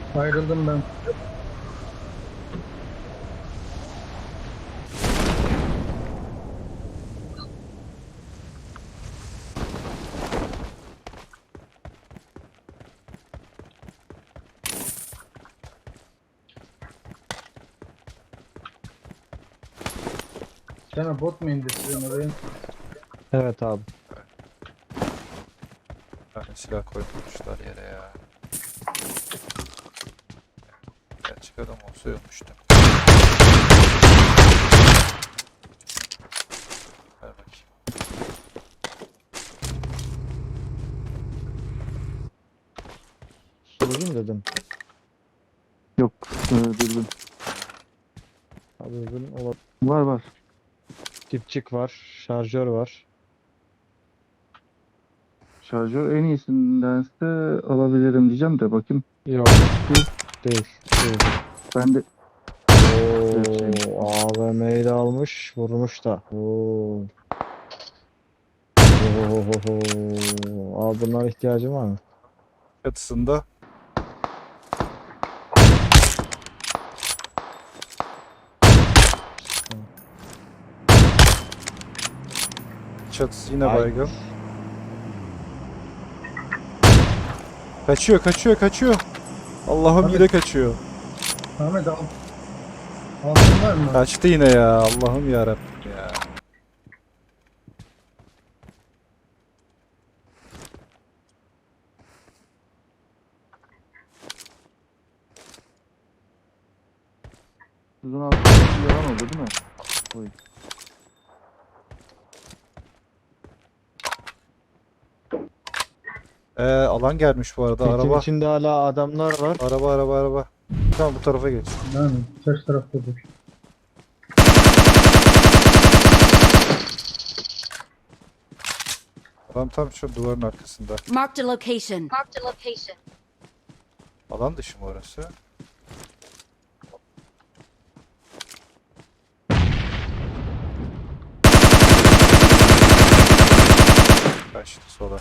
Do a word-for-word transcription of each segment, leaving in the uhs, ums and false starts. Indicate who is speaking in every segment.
Speaker 1: Ayrıldım ben. Sana bot mu indiriyorsun oraya?
Speaker 2: Evet abi.
Speaker 3: Yani silah koymuşlar yere ya. Gerçek adam olsa ölmüştüm. Ver bakayım.
Speaker 2: Sorayım dedim.
Speaker 4: Yok. E, dürbün.
Speaker 2: Abi bugün olabilir.
Speaker 4: Var var.
Speaker 2: Dipçik var. Şarjör var.
Speaker 4: Şarjör en iyisindense alabilirim diyeceğim de bakayım.
Speaker 2: Yok. Değil. Değil.
Speaker 4: Ben de
Speaker 2: Oo, A V M'yi de almış. Vurmuş da. Oo. Ohohoho. Abi bunlara ihtiyacım var mı?
Speaker 3: Çatısında çatısı yine
Speaker 2: Ay.
Speaker 3: baygın. Kaçıyor, kaçıyor, kaçıyor. Allah'ım
Speaker 1: Abi.
Speaker 3: yine kaçıyor.
Speaker 1: Ahmet al. Altın var mı?
Speaker 3: Kaçtı yine ya. Allah'ım yarabbim ya.
Speaker 4: uzun altı yalan oldu değil mi? Oy.
Speaker 3: Ee, alan gelmiş bu arada.
Speaker 2: Pitin
Speaker 3: Araba,
Speaker 2: içinde hala adamlar var.
Speaker 3: araba, araba, araba. Tamam bu tarafa geç.
Speaker 1: Yani ters tarafta dur.
Speaker 3: Adam tam şu duvarın arkasında.
Speaker 5: Marked a location. Marked a location.
Speaker 3: Alan dışı mı orası? Kaçtı sola.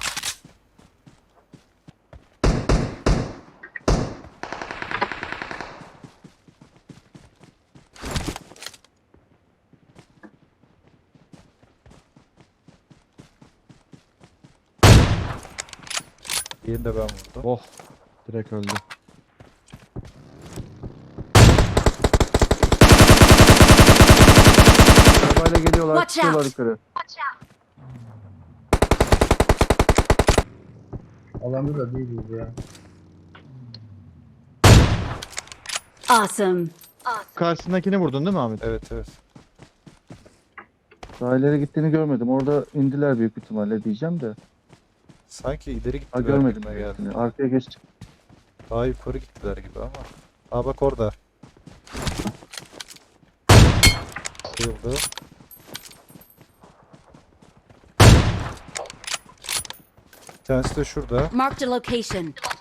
Speaker 3: Diğerini de ben vurdum.
Speaker 2: Oh. Direkt öldü.
Speaker 4: Arabayla geliyorlar.
Speaker 5: Watch
Speaker 4: Çıkıyorlar
Speaker 5: out.
Speaker 4: yukarı.
Speaker 1: Alanda da değiliz ya.
Speaker 5: Awesome.
Speaker 2: Karşısındakini vurdun değil mi Ahmet?
Speaker 3: Evet, evet.
Speaker 4: Daha ileri gittiğini görmedim. Orada indiler büyük ihtimalle diyeceğim de.
Speaker 3: Sanki ileri
Speaker 4: Ha
Speaker 3: gittiler
Speaker 4: görmedim.
Speaker 3: gibime geldi.
Speaker 4: Yani arkaya geçtik.
Speaker 3: Daha yukarı gittiler gibi ama. Aa bak orada. Yıldı. Bir tanesi de şurada.
Speaker 5: Marked a location.